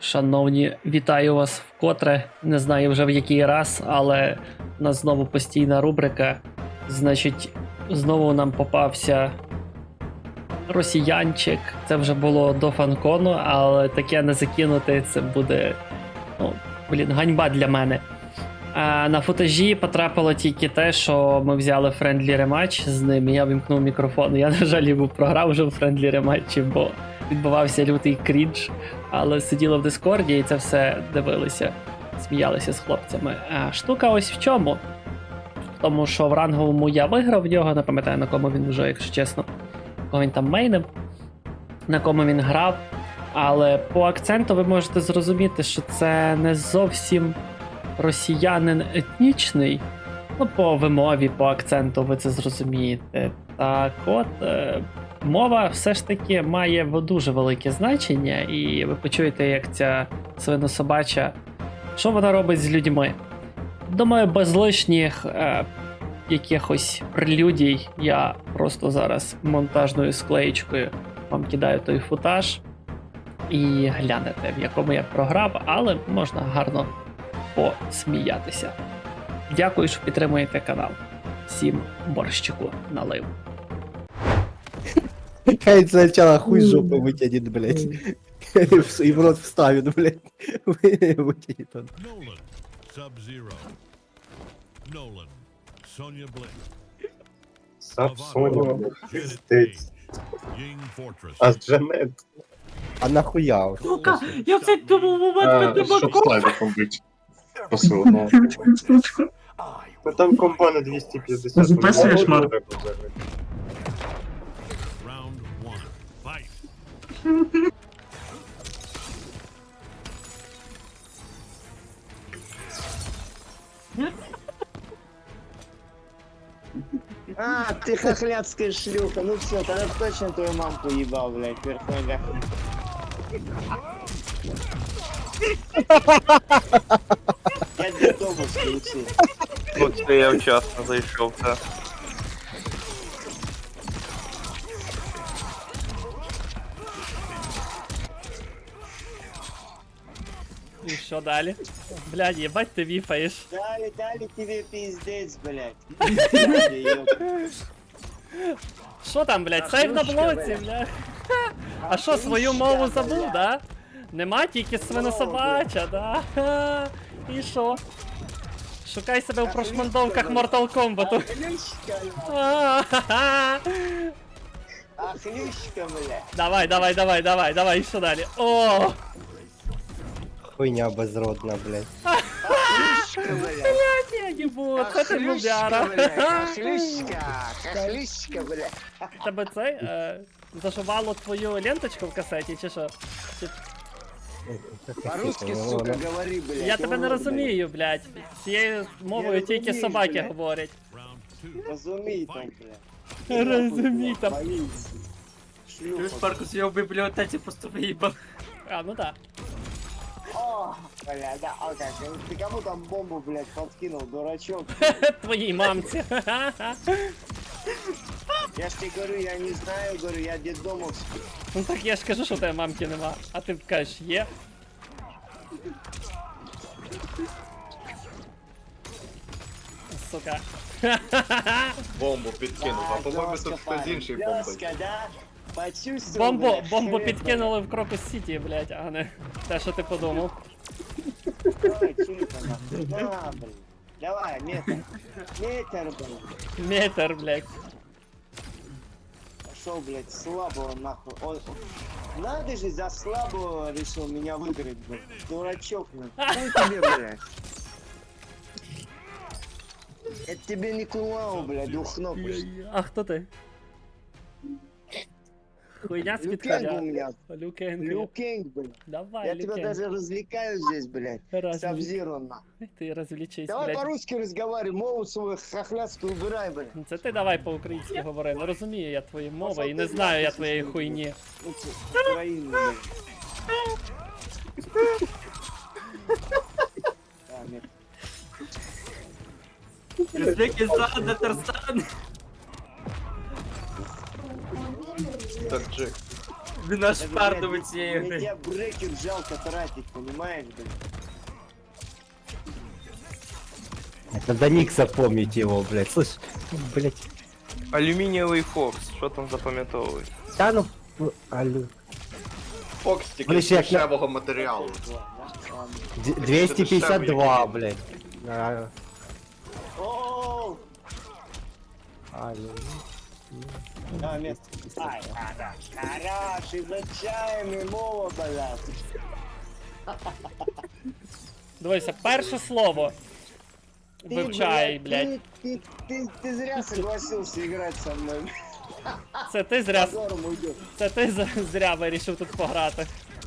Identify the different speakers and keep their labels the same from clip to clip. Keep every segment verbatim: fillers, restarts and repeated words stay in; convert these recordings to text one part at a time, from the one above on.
Speaker 1: Шановні, вітаю вас вкотре. Не знаю вже в який раз, але у нас знову постійна рубрика. Значить, знову нам попався росіянчик. Це вже було до фанкону, але таке не закинути, це буде, ну, блін, ганьба для мене. А на футажі потрапило тільки те, що ми взяли френдлі рематч з ним, і я вимкнув мікрофон. Я, на жаль, був програв вже в френдлі рематчі, бо відбувався лютий крінж, але сиділи в Дискорді і це все дивилися, сміялися з хлопцями. А штука ось в чому? В тому, що в ранговому я виграв в нього, не пам'ятаю на кому він вже, якщо чесно, кого він там мейнив, на кому він грав, але по акценту ви можете зрозуміти, що це не зовсім росіянин етнічний. Ну, по вимові, по акценту ви це зрозумієте. Так от, е, мова все ж таки має дуже велике значення, і ви почуєте, як ця свинособача, що вона робить з людьми. Думаю, без лишніх е, якихось прелюдій я просто зараз монтажною склеєчкою вам кидаю той футаж і глянете, в якому я програв, але можна гарно посміятися. Дякую, що підтримуєте канал. Всім борщику налив.
Speaker 2: Хай сначала хуй с жопы вытянет, блядь. И в рот вставит, блядь. Вытянет он.
Speaker 3: Nolan, Sub-Zero. Nolan, Sonya Blade.
Speaker 4: Сап Соня, блядь,
Speaker 3: Janet
Speaker 4: пиздец.
Speaker 3: Ying Fortress.
Speaker 4: А Джанет,
Speaker 2: А нахуя?
Speaker 5: Сука, я в цей думав момент
Speaker 4: а,
Speaker 5: мене
Speaker 4: щоб
Speaker 5: баков.
Speaker 4: слайдиком бить. Посилено. Ну там комба на двісті п'ятдесят.
Speaker 5: Записуєш,
Speaker 4: ну,
Speaker 5: Марк?
Speaker 4: треба взагалі.
Speaker 3: Round one. Fight.
Speaker 6: А, ты хохлядская шлюха. Ну все, тогда точно твою мамку ебал, блядь, вверх ногами. Я детдому включил.
Speaker 7: От це я вчасно зайшов, так.
Speaker 1: І що далі? Блядь, їбать ти віфаєш.
Speaker 6: Дали, дали тебе пиздец, блядь. Дали, ёпта.
Speaker 1: Що там, блядь, сейв на блоці, блядь. А що, свою мову забув, да? Нема тільки свинособача, да? Ха. І що? Шукай себе в прошмандовках Mortal Kombat.
Speaker 6: Ахлющка,
Speaker 1: А-ха-ха.
Speaker 6: ахлющка, блядь.
Speaker 1: Давай, давай, давай, давай, давай, і що далі? О!
Speaker 2: Хуйня безродна, блядь.
Speaker 6: Ахлющка, блядь.
Speaker 1: Блядь, я їбу, це ти
Speaker 6: Ахлющка,
Speaker 1: мудяра.
Speaker 6: блядь. Ахлющка, ахлющка, блядь.
Speaker 1: Тебе цей, е, зашивало твою ленточку в касеті, чи що? Чи-
Speaker 6: По-русски, сука, говори, блядь.
Speaker 1: Я тебе не
Speaker 6: урод,
Speaker 1: розумію, блядь. Цією мовою
Speaker 6: Я
Speaker 1: тільки
Speaker 6: розумію,
Speaker 1: собаки
Speaker 6: блядь.
Speaker 1: говорять.
Speaker 3: Round two.
Speaker 6: блядь. Разумей там, блядь.
Speaker 1: Розумій там.
Speaker 6: Боись.
Speaker 5: Ти
Speaker 6: Шлюха.
Speaker 5: ж Маркус, я в бібліотеці просто виїбав.
Speaker 1: А, ну так.
Speaker 6: О, бля, да, а как? Ты кому там бомбу, блядь, подкинул, дурачок?
Speaker 1: Твоїй мамці.
Speaker 6: Я ж тебе говорю, я не знаю, говорю, я детдомовский.
Speaker 1: Ну так я ж кажу, що у тебе мамки нема. А ти кажеш, є. Сука.
Speaker 4: Бомбу підкинув, а по-моєму
Speaker 6: Жёстко,
Speaker 4: тут хтось
Speaker 6: парень,
Speaker 4: інший бомбить.
Speaker 6: жёстко, да? Почувствовал,
Speaker 1: Бомбу,
Speaker 6: блядь,
Speaker 1: бомбу
Speaker 6: хрен,
Speaker 1: підкинули в Крокус Сіті, блядь, а не те, що ти подумав.
Speaker 6: блядь. Давай, чули-ка, нахуй. На, блядь. Давай, метр. Метр, блядь.
Speaker 1: Метр, блядь.
Speaker 6: Пошел, блядь, слабого, нахуй. Ой, ой. Надо же, за слабого решил меня выиграть, блядь. Дурачок, нахуй. Хуй тебе, блядь. Это тебе не кулау, блядь, двухногость.
Speaker 1: А хто ти? Хуйня з
Speaker 6: Люкенг у
Speaker 1: підкаля.
Speaker 6: меня.
Speaker 1: Люкенг.
Speaker 6: Люкенг, блядь.
Speaker 1: Давай,
Speaker 6: Я тебя
Speaker 1: Люкенг.
Speaker 6: даже развлекаю здесь, блядь.
Speaker 1: Разве-
Speaker 6: Сабзиро, нахуй.
Speaker 1: Ти розвлічись,
Speaker 6: Давай
Speaker 1: блядь.
Speaker 6: по-русски разговаривай, мову свою хохлядскую убирай, блядь.
Speaker 1: Це ти давай по-українськи говори. Не розумію я твої мови
Speaker 6: Пошел
Speaker 1: і не
Speaker 6: ты
Speaker 1: знаю я
Speaker 6: нахуй,
Speaker 1: твоєї
Speaker 6: слушай,
Speaker 1: хуйні.
Speaker 6: Ну, ты, Украина, блядь. А, нет.
Speaker 5: Узбекистан, Татарстан.
Speaker 4: Так, Джек.
Speaker 5: Він наш
Speaker 6: Даже,
Speaker 5: парту
Speaker 6: блядь,
Speaker 5: від цієї
Speaker 6: мне
Speaker 5: гри.
Speaker 6: тебя брекер жалко тратить, понимаешь, блядь?
Speaker 2: Это до Никса помнить его, блядь. Слышь, блядь.
Speaker 7: Алюмінієвий Фокс, що там запам'ятовують?
Speaker 2: Да ну, ну, алло.
Speaker 8: Фокс тільки
Speaker 2: Вони
Speaker 8: з
Speaker 2: ж як на-
Speaker 8: дешевого матеріалу.
Speaker 2: Д- двести пятьдесят два, блядь. А,
Speaker 6: О,
Speaker 2: алло.
Speaker 6: да, место. Ай, ладно. Хорош, изучаем и мова, блядь.
Speaker 1: Дивися, перше слово.
Speaker 6: Ты,
Speaker 1: Вивчай, блядь.
Speaker 6: Ты, ты, ты, ты зря согласился играть со мной.
Speaker 1: Це ти зря.
Speaker 6: Позором уйдешь.
Speaker 1: Це ти з- зря вирішив тут пограти.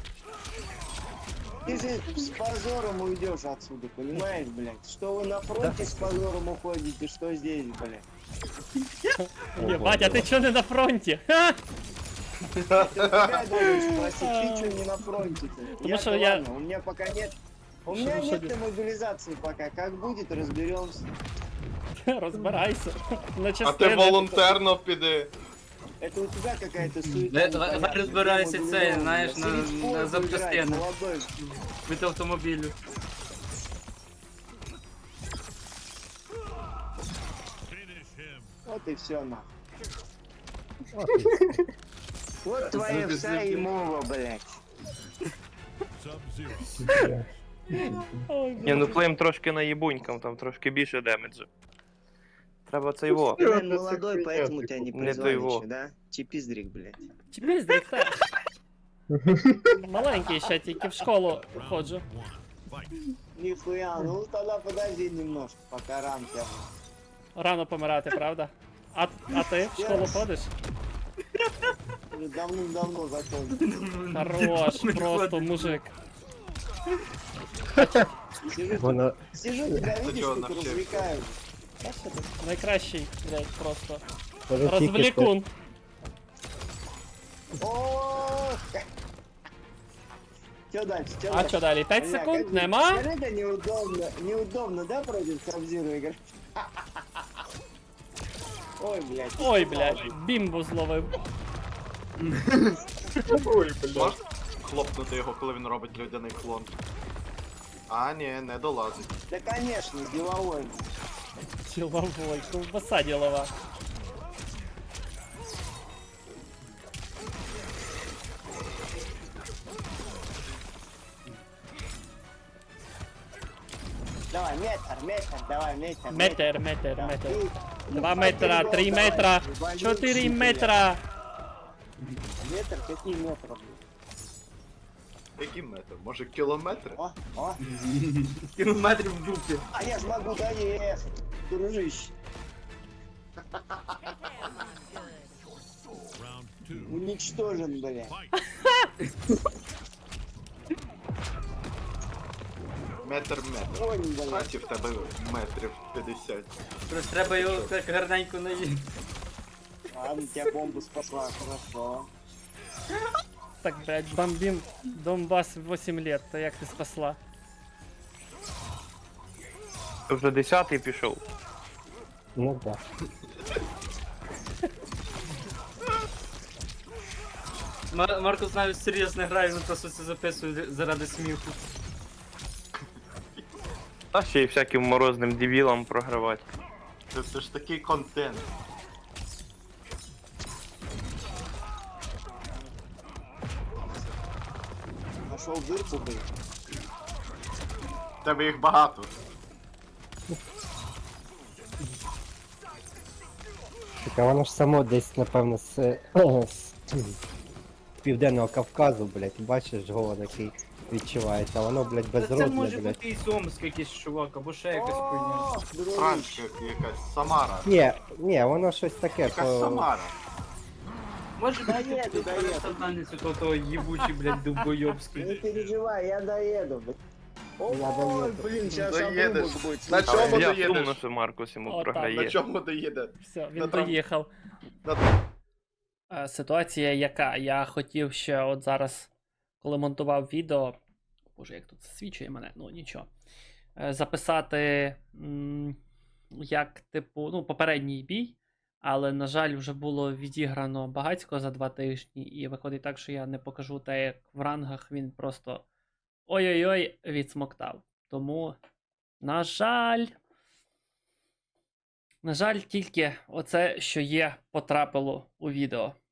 Speaker 6: Ты же с позором уйдешь отсюда, понимаешь, блядь? Что вы на фронте с позором уходите, что здесь, блядь?
Speaker 1: Єбать, а ти чого не на фронті? Ха!
Speaker 6: Ты тебя должен спросить, ты что не на фронте-то?
Speaker 1: Потому что
Speaker 6: Я-то
Speaker 1: я-
Speaker 6: ладно, у меня пока нет... У меня
Speaker 1: Потому что
Speaker 6: нет мобилизации пока. Как будет, разберемся.
Speaker 1: Розбирайся. На
Speaker 8: А ти
Speaker 1: частини.
Speaker 8: волонтерно піди.
Speaker 6: Это у тебя какая-то суета.
Speaker 5: Е,
Speaker 6: непонятная.
Speaker 5: давай разбирайся,
Speaker 6: Я
Speaker 5: це,
Speaker 6: мобилизован,
Speaker 5: знаєш,
Speaker 6: блядь.
Speaker 5: на-
Speaker 6: Сидеть в
Speaker 5: на
Speaker 6: форме
Speaker 5: запчастини.
Speaker 6: играть, молодой.
Speaker 5: Від автомобілю.
Speaker 3: Finish him.
Speaker 6: Вот и все, нахуй. Вот твоя вся и мова, блядь.
Speaker 3: Sub-Zero.
Speaker 1: Ой,
Speaker 7: Ні, ну флейм трошки наїбунькам, там трошки більше демеджу. Треба цей во.
Speaker 6: Ты, наверное, молодой, поэтому тебя не
Speaker 7: Не
Speaker 6: призвали
Speaker 7: то его.
Speaker 6: еще, да? Чипиздрик, блядь.
Speaker 1: Чіпись, директор. Маленький ще, тільки в школу ходжу.
Speaker 3: One. Fight.
Speaker 6: Нихуя, ну тогда подожди немножко, пока рамки.
Speaker 1: Рано помирати, правда? А, а ти в школу ходиш?
Speaker 6: Уже давным-давно закончил.
Speaker 1: Хорош, просто мужик.
Speaker 6: Сижу,
Speaker 2: Воно...
Speaker 6: сижу, тебя видишь,
Speaker 8: чего
Speaker 6: тут
Speaker 8: навчился?
Speaker 6: развлекаю.
Speaker 1: Та що ти? Найкращий, блядь, просто.
Speaker 2: Воно тільки що-
Speaker 1: Розвлікун.
Speaker 6: О, Че дальше, че
Speaker 1: А
Speaker 6: дальше?
Speaker 1: що далі? п'ять
Speaker 6: Бля,
Speaker 1: секунд?
Speaker 6: как-
Speaker 1: Нема?
Speaker 6: Скажи, это неудобно, неудобно, да, против Сабзиру играть? Ой, блядь.
Speaker 1: Ой, блядь, бімбу зловив.
Speaker 8: Можеш хлопнути його, коли він робить людяний клон? А, ні, не долазить.
Speaker 6: Да, конечно, деловой.
Speaker 1: Діловой, ковбаса ділова.
Speaker 6: Давай, метр, метр, давай, метр.
Speaker 1: Метр, метр, метр.
Speaker 6: И-
Speaker 1: Два
Speaker 6: и
Speaker 1: метра,
Speaker 6: пойдем,
Speaker 1: три
Speaker 6: давай,
Speaker 1: метра,
Speaker 6: вали,
Speaker 1: чотири
Speaker 6: шутер.
Speaker 1: метра.
Speaker 6: Метр, какие метры, блядь?
Speaker 8: Який метр? Може кілометри?
Speaker 6: О, о.
Speaker 5: Кілометрів в дупі.
Speaker 6: А я ж могу доехать, дружище.
Speaker 3: Round two.
Speaker 6: Уничтожен, блядь.
Speaker 3: Fight.
Speaker 8: Метр метр.
Speaker 6: Ой, блядь.
Speaker 8: Хаті в тебе метрів п'ятдесят.
Speaker 5: Просто треба його так гарненько наїти.
Speaker 6: Ладно, тебя бомбу спасла, хорошо.
Speaker 1: Так, блядь, бомбим Донбас вісім лет, то як ти спасла?
Speaker 7: Ти вже десятий пішов.
Speaker 2: Ну да.
Speaker 5: Мар- Маркус навіть серйозно грає, він просто це записує заради сміху.
Speaker 7: Та ще й всяким морозним дебілам програвати.
Speaker 8: Це все ж такий контент.
Speaker 6: Нашел дырку, блядь.
Speaker 8: В тебе їх багато.
Speaker 2: Так, а воно ж само десь, напевно, з, з, з Південного Кавказу, блядь, бачиш, голод який відчувається, а воно, блядь,
Speaker 5: Та це
Speaker 2: безродне,
Speaker 5: може
Speaker 2: блядь.
Speaker 5: бути і Сомськ якийсь чувак, або ще якась хуйня.
Speaker 6: О, дружище.
Speaker 8: Франція якась, Самара.
Speaker 2: Ні, ні, воно щось таке,
Speaker 8: Якась
Speaker 2: по...
Speaker 8: Самара.
Speaker 5: Може
Speaker 6: Да
Speaker 5: бути
Speaker 6: нет, да нет.
Speaker 5: завданець у того їбучий, блядь,
Speaker 6: Не
Speaker 5: довбойобський.
Speaker 6: переживай, я доеду, блядь.
Speaker 2: Я
Speaker 6: Ой,
Speaker 2: доеду.
Speaker 6: блин, сейчас
Speaker 8: Доедешь.
Speaker 6: обрубок будет.
Speaker 8: На
Speaker 6: слышать.
Speaker 8: чому
Speaker 7: Я
Speaker 8: доїдеш?
Speaker 7: сумно, що Маркус йому
Speaker 1: О, так.
Speaker 8: На
Speaker 7: програє.
Speaker 8: чому доїде?
Speaker 1: Все, він
Speaker 8: На трам-
Speaker 1: доїхав.
Speaker 8: На-
Speaker 1: Е, Ситуація яка? Я хотів ще от зараз, коли монтував відео. Боже, як тут засвічує мене, ну нічого. Е, Записати, м, як, типу, ну, попередній бій. Але, на жаль, вже було відіграно багатько за два тижні, і виходить так, що я не покажу те, як в рангах він просто ой-ой-ой відсмоктав. Тому, на жаль, на жаль, тільки оце, що є, потрапило у відео.